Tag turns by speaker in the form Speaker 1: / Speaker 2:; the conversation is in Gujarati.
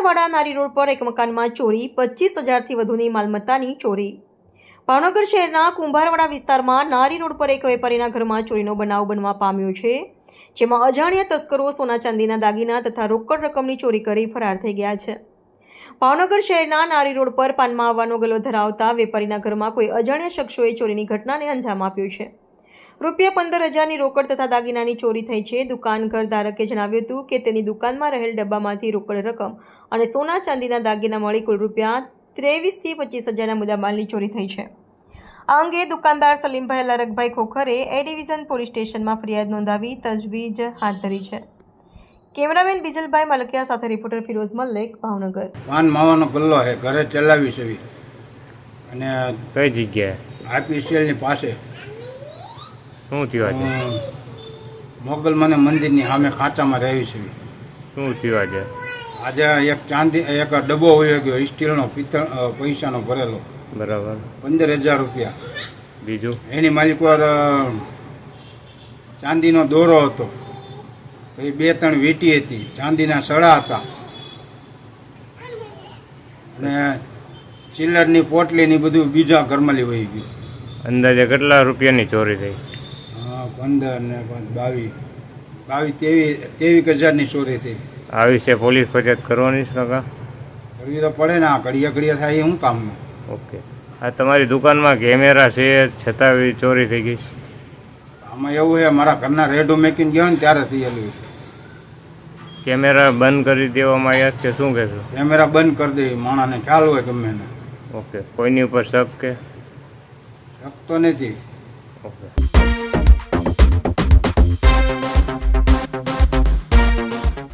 Speaker 1: કુંભારવાડા નારી રોડ પર એક મકાનમાં ચોરી, 25,000થી વધુની માલમત્તાની ચોરી। ભાવનગર શહેરના કુંભારવાડા વિસ્તારમાં નારી રોડ પર એક વેપારીના ઘરમાં ચોરીનો બનાવ બનવા પામ્યો છે, જેમાં અજાણ્યા તસ્કરો સોના ચાંદીના દાગીના તથા રોકડ રકમની ચોરી કરી ફરાર થઈ ગયા છે। ભાવનગર શહેરના નારી રોડ પર પાનમાં આવવાનો ગલ્લો ધરાવતા વેપારીના ઘરમાં કોઈ અજાણ્યા શખ્સોએ ચોરીની ઘટનાને અંજામ આપ્યો છે। ₹15,000ની રોકડ તથા દાગીનાની ચોરી થઈ છે। દુકાન ઘર ધારકે જણાવ્યું હતું કે તેની દુકાનમાં રહેલ ડબ્બામાંથી રોકડ રકમ અને સોના ચાંદીના દાગીના મળી કુલ ₹23,000થી 25,000ના મુદ્દામાલની ચોરી થઈ છે। આ અંગે દુકાનદાર સલીમભાઈ લરકભાઈ ખોખરે એ ડિવિઝન પોલીસ સ્ટેશનમાં ફરિયાદ નોંધાવી તજવીજ હાથ ધરી છે। કેમેરામેન બીજલભાઈ મલકિયા સાથે રિપોર્ટર ફિરોઝ મલ્લિક, ભાવનગર।
Speaker 2: પાન માવાનો ગલ્લો છે, ઘરે ચલાવી છે અને
Speaker 3: કઈ જગ્યાએ?
Speaker 2: આઈપીસીએલની પાસે।
Speaker 3: શું થયું આજે?
Speaker 2: મોગલ મને મંદિરની સામે ખાંચામાં રહેવી છે।
Speaker 3: શું થયું આજે?
Speaker 2: આજે એક ડબ્બો હોઈ ગયો સ્ટીલનો, પિત્તળ પૈસાનો ભરેલો,
Speaker 3: બરાબર,
Speaker 2: 15,000 રૂપિયા।
Speaker 3: બીજું
Speaker 2: એની માલિક ચાંદીનો દોરો હતો, પછી 2-3 વીંટી હતી, ચાંદીના સડા હતા અને ચિલ્લરની પોટલીની બધું બીજા ઘરમાં વહી ગયું।
Speaker 3: અંદાજે કેટલા રૂપિયાની ચોરી થઈ?
Speaker 2: 15 ને 23,000ની ચોરી થઈ।
Speaker 3: આ વિશે પોલીસ ફરિયાદ કરવાની છે કાકા?
Speaker 2: કરવી તો પડે ને, આ ઘડિયા થાય એ શું કામનું?
Speaker 3: ઓકે, આ તમારી દુકાનમાં કેમેરા છે છતાં ચોરી થઈ ગઈ?
Speaker 2: આમાં એવું છે, મારા ઘરના રેડો મેકીને ગયો ને ત્યારે થયેલું।
Speaker 3: કેમેરા બંધ કરી દેવામાં આવ્યા કે શું કહેશો?
Speaker 2: કેમેરા બંધ કરી દે, માણસને ખ્યાલ હોય ગમે ને।
Speaker 3: ઓકે, કોઈની ઉપર શક કે?
Speaker 2: શક તો નથી।
Speaker 3: ઓકે।